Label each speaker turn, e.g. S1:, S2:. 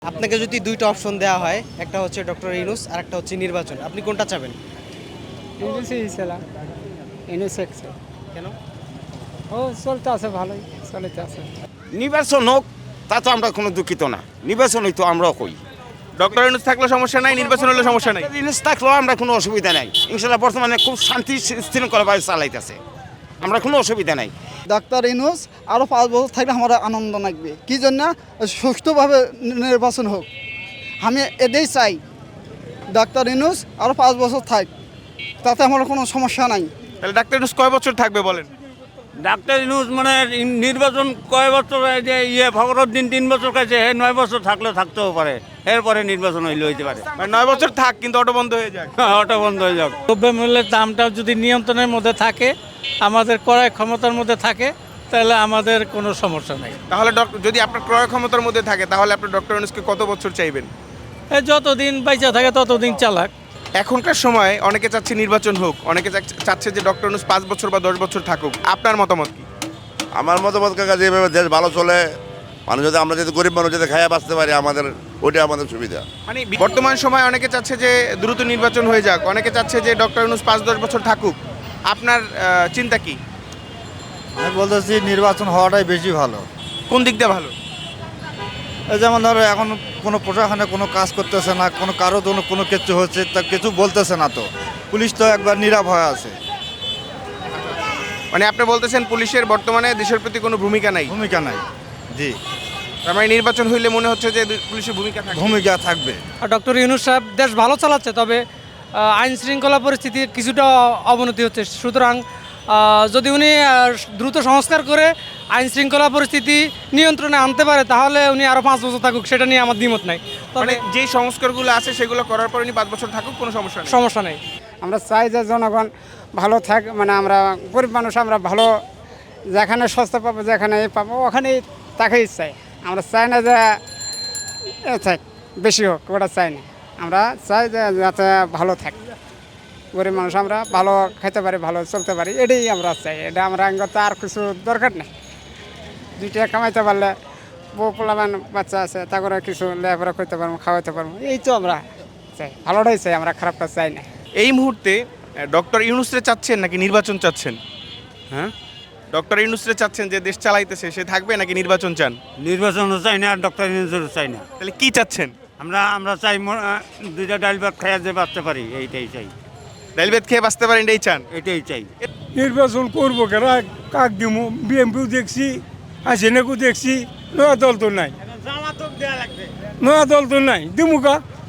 S1: আপনাকে যদি দুইটা অপশন দেওয়া হয়, একটা হচ্ছে ডক্টর ইউনূস আর একটা হচ্ছে নির্বাচন, আপনি কোনটা চাবেন?
S2: ইউনুসই ছিলাম, ইউনুস
S1: কেন?
S2: ও চলতে আছে, ভালোই চলতে আছে।
S3: নির্বাচন হোক তা তো আমরা কোনো দুঃখিত না, নির্বাচন হইতো আমরাও কই।
S4: ডক্টর ইউনূস থাকলে সমস্যা নাই, নির্বাচন হলে সমস্যা নাই।
S3: জিনিস থাকলেও আমরা কোনো অসুবিধা নাই, ইনশাল্লাহ বর্তমানে খুব শান্তি শৃঙ্খলাভাবে চালাইতেছে, আমরা কোনো অসুবিধা নাই।
S5: ডাক্তার ইউনূস আরও 5 বছর থাকলে আমার আনন্দ লাগবে। কী জন্য? সুষ্ঠুভাবে নির্বাচন হোক, আমি এটাই চাই। ডাক্তার ইউনূস আরও 5 বছর থাক, তাতে আমার কোনো সমস্যা নাই।
S4: তাহলে ডাক্তার ইউনূস কয় বছর থাকবে বলেন?
S6: ডাক্তার ইউনূস মানে নির্বাচন কয় বছর, যে ফখরুদ্দিন 3 বছর কাছে 9 বছর থাকলেও থাকতেও পারে, এরপরে নির্বাচন হইতে পারে।
S4: মানে 9 বছর থাক কিন্তু অটো বন্ধ হয়ে যায়।
S6: অটো বন্ধ হয়ে যাক। দ্রব্যমূল্যের দামটা যদি নিয়ন্ত্রণের মধ্যে থাকে, আমাদের ক্রয় ক্ষমতার মধ্যে থাকে, তাহলে আমাদের কোনো সমস্যা নেই।
S4: তাহলে যদি আপনার ক্রয় ক্ষমতার মধ্যে থাকে তাহলে আপনি ডক্টর ইউনূসকে কত বছর চাইবেন?
S6: যতদিন বাইচা থাকে ততদিন চালাক।
S4: এখনকার সময় অনেকে চাচ্ছে নির্বাচন হোক, অনেকে চাচ্ছে যে ডক্টর ইউনূস 5 বছর বা 10 বছর থাকুক। আপনার মতামত কি?
S7: আমার মতামত কাকা, যেভাবে দেশ ভালো চলে, মানুষ যদি আমরা যদি গরিব মানুষ যদি খাইয়া বাঁচতে পারি, আমাদের ওইটা আমাদের সুবিধা।
S4: মানে বর্তমান সময় অনেকে চাচ্ছে যে দ্রুত নির্বাচন হয়ে যাক, অনেকে চাচ্ছে যে ডক্টর ইউনূস 5-10 বছর থাকুক। আপনার চিন্তা কি?
S8: আমি বলতেছি নির্বাচন হওয়াটাই বেশি ভালো।
S4: কোন দিক দিয়ে ভালো?
S8: এই যেমন ধরো এখন কোনো প্রশাসনে কোনো কাজ করতেছে না, কারো জন্য কোনো কিছু হচ্ছে তা কিছু বলতেছে না, তো পুলিশ তো একবার নীরব হয়ে আছে,
S4: মানে আপনি বলতেছেন পুলিশের বর্তমানে দেশের প্রতি কোনো ভূমিকা নাই?
S8: ভূমিকা নাই। জি,
S4: তার মানে নির্বাচন হইলে মনে হচ্ছে যে পুলিশের ভূমিকা থাকবে।
S8: ভূমিকা থাকবে।
S2: ডক্টর ইউনুস সাহেব দেশ ভালো চালাচ্ছে, তবে আইন শৃঙ্খলা পরিস্থিতির কিছুটা অবনতি হচ্ছে। সুতরাং যদি উনি দ্রুত সংস্কার করে আইন শৃঙ্খলা পরিস্থিতি নিয়ন্ত্রণে আনতে পারে, তাহলে উনি আরও 5 বছর থাকুক, সেটা নিয়ে আমার দ্বিমত নাই।
S4: মানে
S2: তবে
S4: যে সংস্কারগুলো আছে সেগুলো করার পর উনি 5 বছর থাকুক, কোনো সমস্যা নেই।
S2: সমস্যা নেই।
S9: আমরা চাই যে জনগণ ভালো থাক, মানে আমরা গরিব মানুষ, আমরা ভালো যেখানে সস্তা পাবো, যেখানে পাবো ওখানেই তাকেই চাই। আমরা চাই না যে থাক বেশি হোক, ওটা চাই না। আমরা চাই যে যাতে ভালো থাকে, গরিব মানুষ আমরা ভালো খেতে পারি, ভালো চলতে পারি, এটাই আমরা চাই। এটা আমরা আঙ্গত আর কিছু দরকার নেই। 2 টাকা কামাইতে পারলে, বউ পোলাবান বাচ্চা আছে, তা করে কিছু লেখাপড়া করতে পারবো, খাওয়াতে পারবো, এই তো আমরা চাই। ভালোটাই চাই, আমরা খারাপটা চাই না।
S4: এই মুহূর্তে ডক্টর ইউনূসরে চাচ্ছেন নাকি নির্বাচন চাচ্ছেন?
S6: হ্যাঁ,
S4: ডক্টর ইউনূসরে চাচ্ছেন যে দেশ চালাইতেছে, সে থাকবে নাকি নির্বাচন চান?
S6: নির্বাচনও চাই না, আর ডক্টর ইউনূসও চাই না।
S4: তাহলে কি চাচ্ছেন?
S6: আমরা চাই 2টা ডাল ভাত খাইয়া যে বাঁচতে পারি, এইটাই চাই।
S4: ডাইল ভাত খেয়ে বাঁচতে পারেন, এটাই চান?
S6: এটাই চাই।
S10: নির্বাচন করবো কেন, কাক দিব? বিএমপিও দেখছি, হাসিনাকেও দেখছি, নয়া দল তো নাই, নয়া দল তো নাই, দিমুকা